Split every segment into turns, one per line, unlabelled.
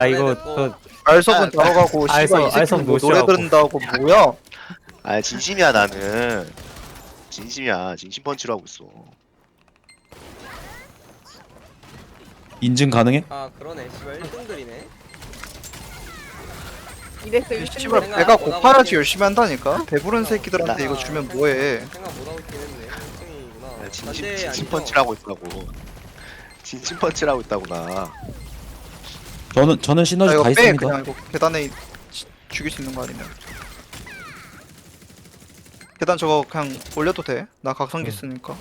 아 이거
뭐,
알석은 들어가고 씨발 이
알석
새끼는 뭐 노래
노시라고.
들은다고 뭐야?
아 진심이야 나는. 진심이야. 진심 펀치로 하고 있어.
인증 가능해?
아 그러네 씨발 1등들이네.
이래서
이
1등
씨발
생각
배가
못 하고
고파야지
있긴
열심히 한다니까. 배부른 새끼들한테 이거 주면 뭐해?
생각 못하고 있긴 했네. 1등이구나.
야, 진심 펀치라고 있다고. 진심 펀치라고 있다구나.
저는
아
시너지
이거
다
빼
있습니다.
그냥 이거 계단에 죽일 수 있는 거 아니면. 계단 저거 그냥 올려도 돼. 나 각성기 쓰니까.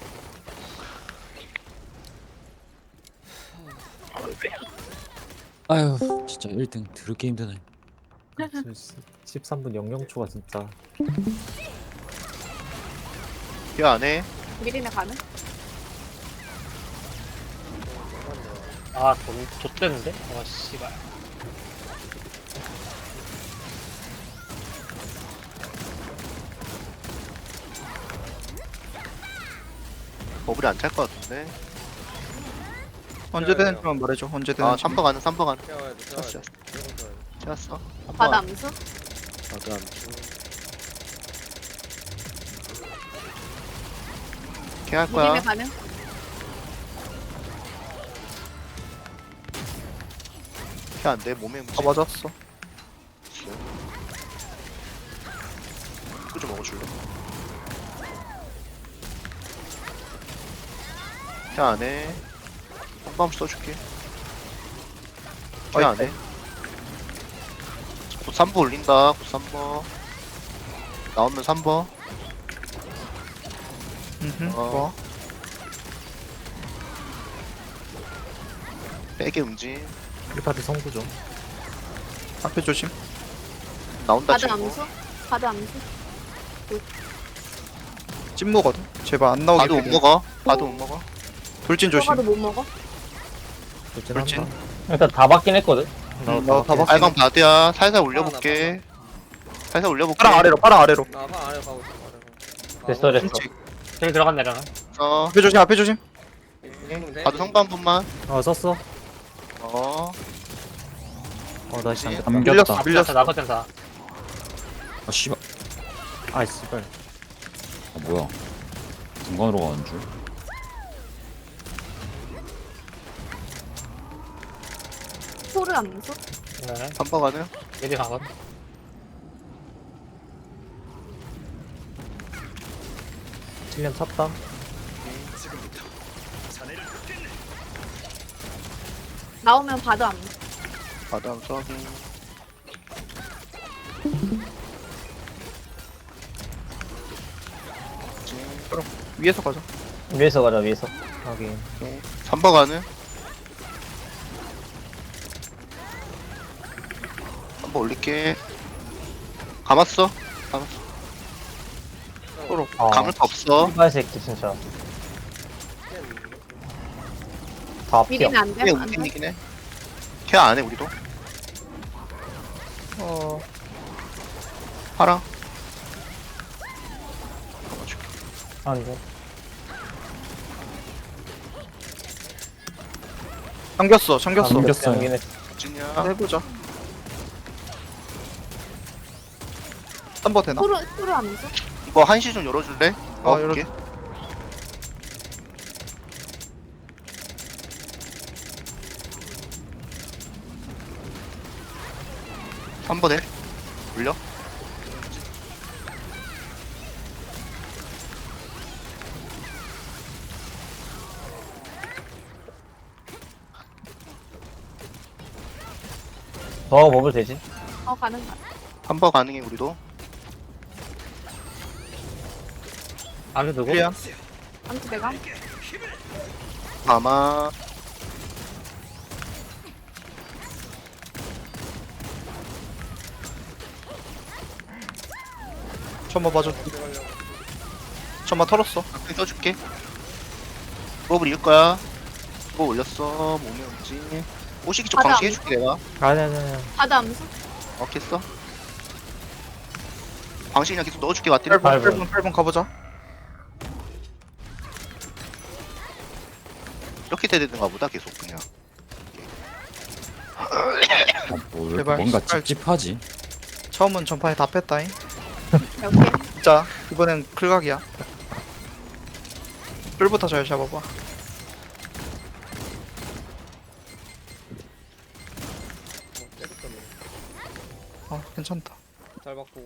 아유 진짜 1등 드럽게 힘드네.
13분 00초가 진짜
이 안에
미리네 가는?
아, 좆됐는데? 아, 씨발.
버블이 안 찰 것 같은데.
언제 되는지만 말해줘. 언제
아
되는지.
3번 가는 3번 가는.
태워야 돼. 태워야 돼.
채웠어.
바다 암수?
나도 암수. 걔할 거야.
미리네 가는?
걔안 돼. 몸에 묻지.
아 맞았어.
그거 좀 먹어줄래? 걔 안에. 한번 써줄게. 걔 안에. 곧 3번 올린다. 곧 3번. 나오면 3번. 뭐? 빼게 움직.
1파트 성구죠.
앞에 조심.
나온다
바다
친구.
암수? 바다 암수?
찐무거든. 제발 안 나오게.
봐도 못
되게.
먹어. 봐도 못 먹어.
돌진 조심.
들어가도 못 먹어?
돌진.
일단 다 받긴 했거든.
나다 봤어.
빨강 바드야. 살살 올려볼게. 살살 올려볼게.
파랑 아래로. 파랑 아래로.
나방 아래 가고 있어. 아래 가고.
됐어, 됐어.
그렇지.
저기 들어갔네, 내가.
앞에 조심. 앞에 조심.
바드 성부 한 번만.
썼어.
나
그치?
진짜
밀렸어.
감겼다.
밀렸어.
나버텐사
아 씨발.
아 씨발.
아 뭐야? 중간으로 가는 줄.
소르 암수?
네.
3번 가는.
미리 가거든.
실련 찼다.
나오면 바다 암수.
바드 암수 확인.
위에서 가자.
위에서 가자, 위에서.
확인.
3번 가는. 3번 올릴게. 감았어. 감았어. 감을 거 없어.
씨발 새끼, 진짜. 다 피어.
미리는 안 돼?
걔
안 돼?
움직이긴 해. 걔 안해 우리도. 파랑. 잡아줄게.
안 돼.
잠겼어. 잠겼어.
잠겼어요.
여기는
진이야.
해보자. 3번 되나?
소르 암수?
이거 한시 좀 열어줄래? 열어볼게. 3번에 올려.
더 먹을 되지?
가는 가.
3번 가능해 우리도.
암수 누구?
클리어.
암수 내가?
아마
천마 봐줘. 천마 털었어.
앞에 써줄게. 수업을 이을 거야. 수업 올렸어. 몸에 움직. 오시기 쪽
바다
광시
암수?
해줄게 내가.
아네네.
바다 암수?
했어. 광시 그냥 계속 넣어줄게 맞들이.
8번,
팔번.
8번, 8번 가보자.
이렇게 돼야 되는가 보다 계속 그냥.
뭐, 왜 이렇게
제발,
뭔가
제발.
찝찝하지?
처음은 전판에 다 뺐다잉.
이렇게.
진짜 이번엔 클각이야. 뿔부터 잘 잡아봐.
때렸더니
괜찮다.
잘 받고.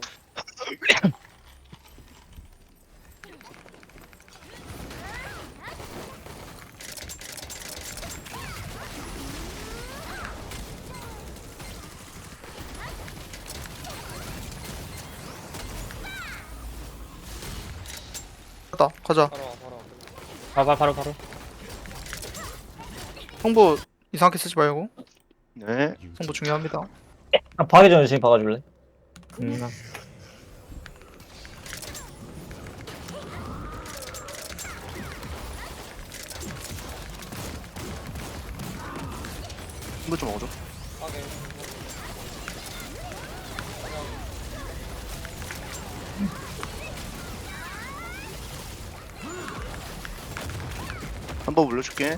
가다 가자.
바로 와 바로 와.
바로.
홍보 이상하게 쓰지 말고.
네.
홍보 중요합니다.
아, 파괴 전에 지금 박아줄래?
음.
이거 좀 먹어줘.
파괴.
한번 올려줄게.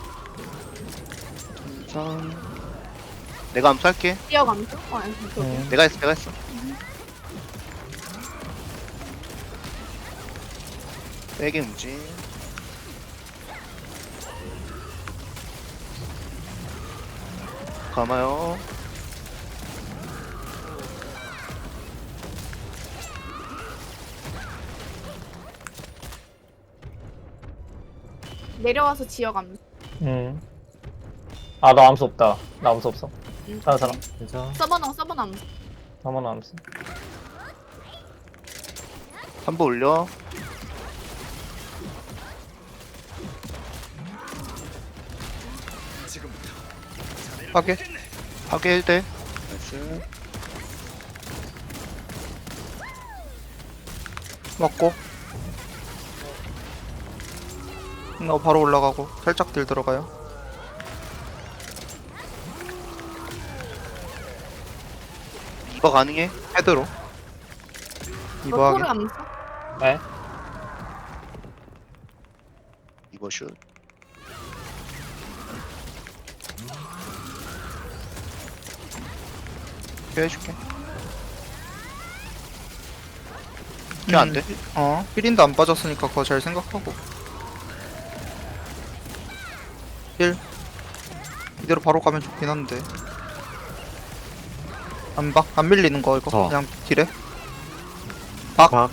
천천. 내가 암수할게.
뛰어 감수? 아니,
음.
내가 했어. 빼게 움직. 감아요.
내려와서 지어 감수.
아, 나 암수 없다. 나 암수 없어. 다른 사람.
괜찮아.
서버너 암수.
나만 암수.
한번 올려.
파괴.
파괴 1대. 나이스.
맞고. 너 바로 올라가고 살짝 딜 들어가요.
이거 가능해?
헤드로.
너
이거하게.
토르 암수?
네?
이거 슛. 해줄게. 이게 안 돼?
힐인도 안 빠졌으니까 그거 잘 생각하고. 힐. 이대로 바로 가면 좋긴 한데. 안 밀리는 거 이거. 그냥 딜해.
박.
봐.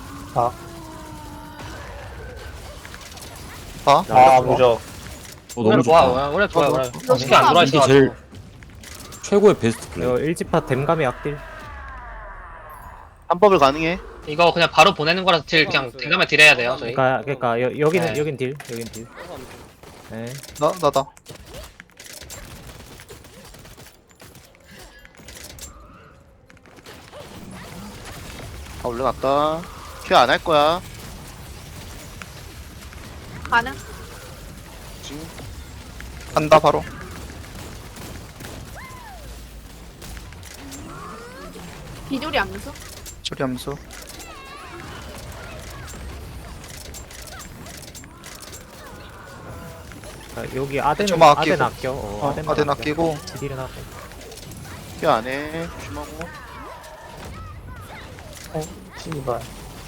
아, 무적.
너무 좋다.
오래 좋아.
너
쉽게 안 돌아
이게
이게 제일 최고의 베스트 플레이.
이거 일지파 댐감의 악딜.
한법을 가능해?
이거 그냥 바로 보내는 거라서 딜 그냥 대감에 딜해야 돼요 저희.
그러니까 여기는
네.
여긴 딜.
서버 암수.
네.
나다.
아 올라갔다. 큐 안 할 거야.
가능?
지금
간다 바로.
비조리 암수?
저리 함수.
그러니까 여기 아덴은
점화 아끼고.
아덴 아껴.
아덴 아끼고.
딜은 하고.
큐 안 해. 조심하고.
씨발.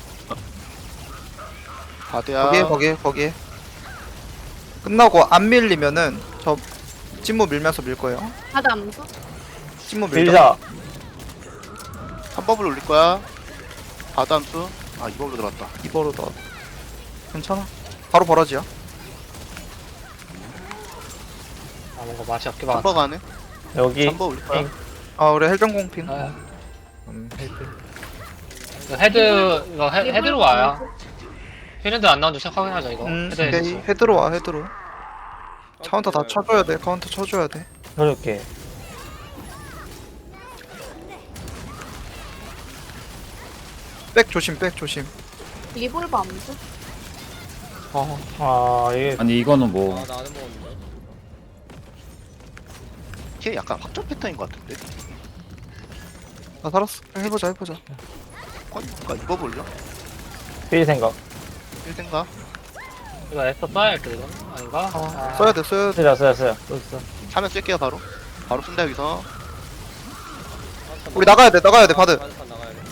바드야.
거기에. 끝나고 안 밀리면은 저 찐무 밀면서 밀 거예요.
바드 암수?
찐무 밀자.
빌자.
한법을 올릴 거야. 바드 함수. 아 이걸로 들어갔다.
이거로 나. 괜찮아. 바로 버라지야.
아 뭔가 맛이 없게 봐.
한법 안 해.
여기.
한법 올릴 거야.
우리 헬정공핑.
아,
헬필.
이거 헤드로 와요. 헤드 안 나온 줄 확인하자 이거. 헤드
오케이. 헤드로 와, 헤드로. 카운터 다 쳐줘야 돼, 카운터 쳐줘야 돼.
그렇게.
백 조심.
리볼버 암수?
이게.
아니 이거는 뭐
아 나는 먹었는데.
걔 약간 확정 패턴인 것 같은데.
나 살았어. 해보자.
그러니까 이거 올려.
빌 생각.
1등가?
이거 에스터 써야 할 듯, 이건? 아닌가?
써야 돼.
쓰자.
차면 쓸게요 바로. 바로 쓴다 여기서.
우리 나가야 돼 바드.
반스턴 나가야 돼.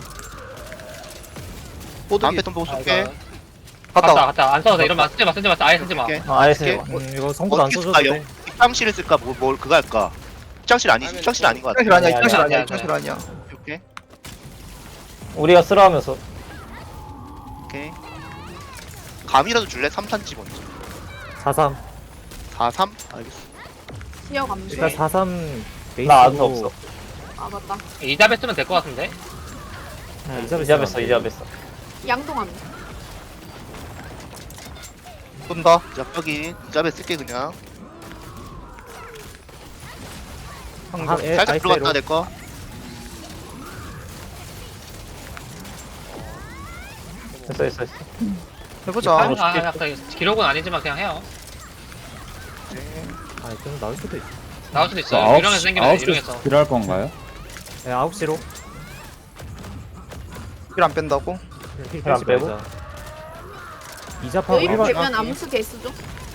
다음
뽀득이
패턴 보고
아,
쏠게.
이거
갔다.
갔다. 안 써도 돼. 이러면 쓰지 마, 쓰지 마. 아예 쓰지 마.
오케이.
아예 쓰지
오케이.
마.
이거 성분 안
어떻게
써줘도
쓸까?
돼.
입장실을 쓸까? 뭘 그거 할까? 입장실 아니지. 입장실 아닌 것 같아.
입장실 아니야
아니야,
입장실 아니야
아니야,
입장실 아니야.
오케이.
우리가 쓰러하면서
오케이. 감이라도 줄래? 3탄지 먼저.
43.
4-3? 알겠어.
지역 암수.
일단 43 베이스로.
나 아무 없어.
아 맞다.
이잡에 쓰면 될 것 같은데.
이잡했어 이잡했어.
양동 암수.
쏜다.
자, 여기 이잡에 쓸게 그냥. 살짝 들어갔다 내 거.
됐어.
해보자.
기록은 아니지만 그냥 해요.
아, 좀 나올 수도 있어.
나올 수도 있어.
저
유령에서 생기면 돼, 유령에서.
9시 딜할 건가요?
네, 9시로.
힐안 뺀다고?
안 빼고?
이잡하고
여기
1번.
되면 암수 개수죠.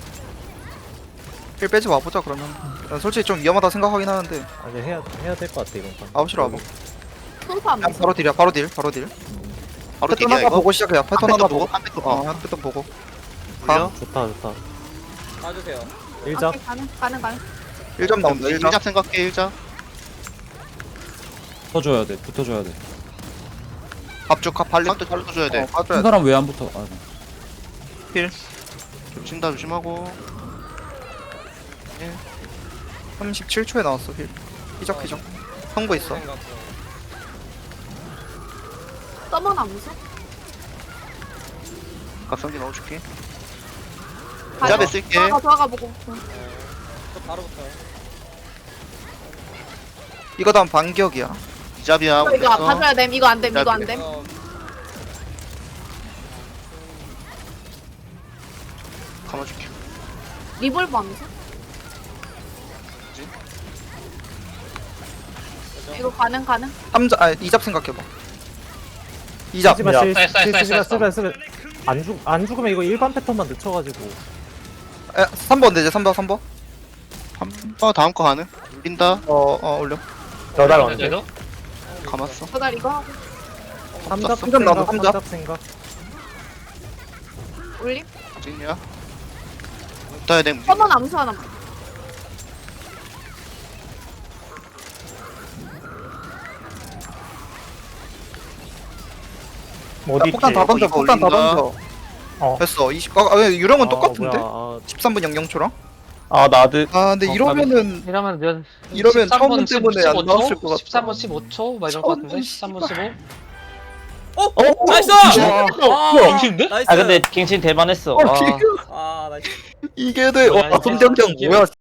힐 빼지 와보자 그러면. 난 솔직히 좀 위험하다 생각하긴 하는데.
아, 이제 해야 될 것 같아, 이번 판.
9시로 와봐.
손수
그냥
암수.
바로 딜이야 바로 딜.
바로
패턴
딜이야
하나
이거.
보고 시작해야 패턴
한
하나
패턴
보고.
한 패턴.
한 패턴 보고.
올려.
좋다.
봐주세요.
1잡.
오케이, 가능.
1점 나온다 1점.
1잡 생각해 1잡.
붙어줘야 돼. 붙어줘야 돼.
합죽 발리.
한테 잘로 줘야 돼.
빠져야
한
돼.
사람 왜 안 붙어? 아,
겹친다 조심하고.
37초에 나왔어 힐. 희적 선고 있어.
생각.
서먼 암수.
각성기 넣어줄게.
가요.
이잡에 쓸게.
들어가 보고.
또 바로 붙어요.
이거 다음 반격이야.
이잡이야.
이거
올렸어.
봐줘야 됨. 이거 안 됨. 이거 안 됨.
감아줄게.
리볼버 암수. 이거 가능.
3잡 아 2잡 생각해봐. 2잡.
쓰지마,
쓰지 마.
안 죽으면 이거 일반 패턴만 늦춰가지고.
3번 되지 3번.
다음 거 가능? 울린다.
올려.
너달 언제?
그래도
감았어.
저달 이거 하고
3잡
삼잡 나온다, 삼잡.
3잡 생각.
올림.
찐이야. 붙어야 돼. 움직임.
서먼 암수 하나만.
못
야,
있지.
폭탄 다 던져.
이거
폭탄 다
올린다.
던져.
어.
됐어. 20. 유령은 똑같은데?
뭐야,
13분 00초랑?
아 나도
근데 이러면은
이러면
이러면 처음 때문에 안 나왔을 것 같다.
13번 15초 막 이럴 것 같은데. 13번 15.
나이스!
정신인데?
나이스!
아 근데 갱신 대만했어.
이게
아, 나이스.
이게 돼.
뭐야, 이게
손정정
진짜
뭐야?